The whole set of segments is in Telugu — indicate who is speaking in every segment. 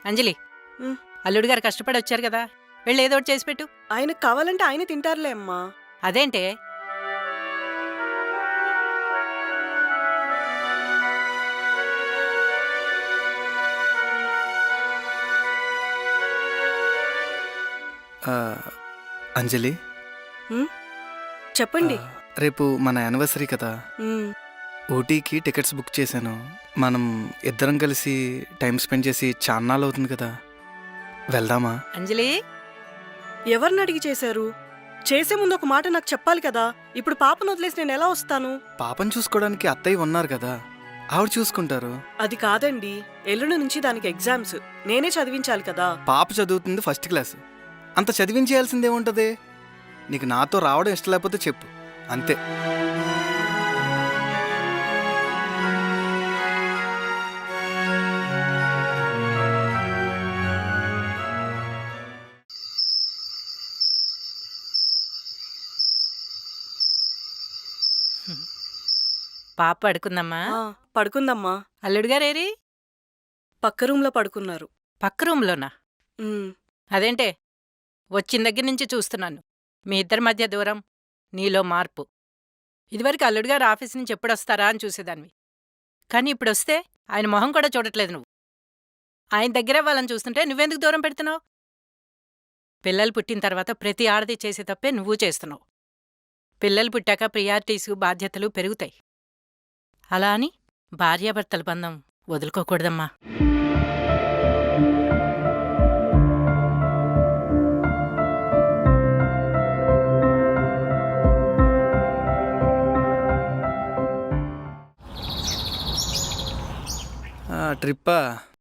Speaker 1: అంజలి,
Speaker 2: ఉమ్.
Speaker 1: అల్లుడు గారు కష్టపడి వచ్చారు కదా, వెళ్ళి ఏదో ఒకటి చేసి పెట్టు.
Speaker 2: ఆయనకు కావాలంటే ఆయన తింటారులే అమ్మా.
Speaker 1: అదేంటే?
Speaker 3: అంజలి,
Speaker 2: చెప్పండి.
Speaker 3: రేపు మన యానివర్సరీ కదా,
Speaker 2: ఉమ్.
Speaker 3: ఊటీకి టికెట్స్ బుక్ చేశాను. మనం ఇద్దరం కలిసి టైం స్పెండ్ చేసి చాన్నాళ్ళు అవుతుంది కదా, వెళ్దామా?
Speaker 1: అంజలి,
Speaker 2: ఎవరిని అడిగి చేశారు? చేసే ముందు ఒక మాట నాకు చెప్పాలి కదా. ఇప్పుడు పాపను వదిలేసి నేను ఎలా వస్తాను?
Speaker 3: పాపను చూసుకోవడానికి అత్తయ్య ఉన్నారు కదా, ఆవిడ చూసుకుంటారు.
Speaker 2: అది కాదండి, ఎల్లుండి నుంచి దానికి ఎగ్జామ్స్. నేనే చదివించాలి కదా.
Speaker 3: పాప చదువుతుంది ఫస్ట్ క్లాస్, అంత చదివించేయాల్సిందేముంటుంది? నీకు నాతో రావడం ఇష్టం లేకపోతే చెప్పు, అంతే.
Speaker 1: పాప పడుకుందమ్మా.
Speaker 2: ఆ, పడుకుందమ్మా.
Speaker 1: అల్లుడు గారు ఏరి?
Speaker 2: పక్క రూమ్లో పడుకున్నారు.
Speaker 1: పక్క రూమ్లోనా?
Speaker 2: ఉమ్.
Speaker 1: అదేంటే, వచ్చిన దగ్గర నుంచి చూస్తున్నాను మీ ఇద్దరి మధ్య దూరం, నీలో మార్పు. ఇదివరకు అల్లుడు గారు ఆఫీస్ నుంచి ఎప్పుడొస్తారా అని చూసేదానివి, కానీ ఇప్పుడొస్తే ఆయన మొహం కూడా చూడట్లేదు నువ్వు. ఆయన దగ్గర వాళ్ళని చూస్తుంటే నువ్వెందుకు దూరం పెడుతున్నావు? పిల్లలు పుట్టిన తర్వాత ప్రతి ఆడది చేసే తప్పే నువ్వు చేస్తున్నావు. పిల్లలు పుట్టాక ప్రియారిటీసు, బాధ్యతలు పెరుగుతాయి. అలా అని భార్యాభర్తల బంధం వదులుకోకూడదమ్మా.
Speaker 3: ట్రిప్పా?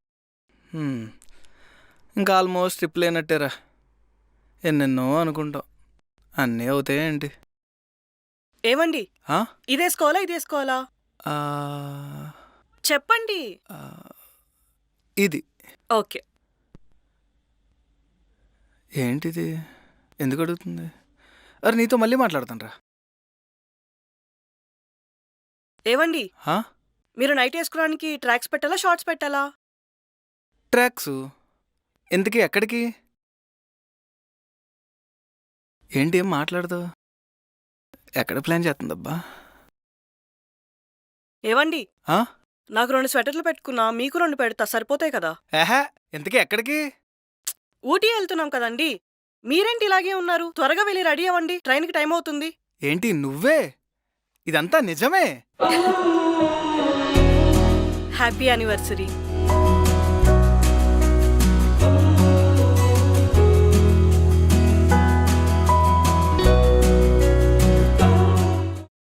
Speaker 3: ఇంకా ఆల్మోస్ట్ ట్రిప్ లేనట్టేరా. ఎన్నెన్నో అనుకుంటాం, అన్నీ అవుతాయేంటి?
Speaker 2: ఏమండి,
Speaker 3: ఆ?
Speaker 2: ఇదేసుకోవాలా ఇదేసుకోవాలా
Speaker 3: ఆ,
Speaker 2: చెప్పండి.
Speaker 3: ఆ, ఇది
Speaker 2: ఓకే.
Speaker 3: ఏంటిది? ఎందుకు అడుగుతుంది? అరే నీతో మళ్ళీ మాట్లాడతాను రా.
Speaker 2: ఏవండి,
Speaker 3: హా?
Speaker 2: మీరు నైట్ వేసుకోవడానికి ట్రాక్స్ పెట్టాలా, షార్ట్స్ పెట్టాలా?
Speaker 3: ట్రాక్స్. ఎందుకు? ఎక్కడికి? ఏంటి ఏం మాట్లాడతావు? ఎక్కడ ప్లాన్ చేస్తుందబ్బా?
Speaker 2: ఏవండి,
Speaker 3: ఆ?
Speaker 2: నాకు 2 స్వెటర్లు పెట్టుకున్నా, మీకు 2 పెడతా, సరిపోతాయి కదా.
Speaker 3: ఏహే, ఎందుకు? ఎక్కడికి?
Speaker 2: ఊటీ వెళ్తున్నాం కదండి. మీరేంటి ఇలాగే ఉన్నారు? త్వరగా వెళ్ళి రెడీ అవ్వండి, ట్రైన్కి టైం అవుతుంది.
Speaker 3: ఏంటి నువ్వే? ఇదంతా నిజమే?
Speaker 2: Happy anniversary.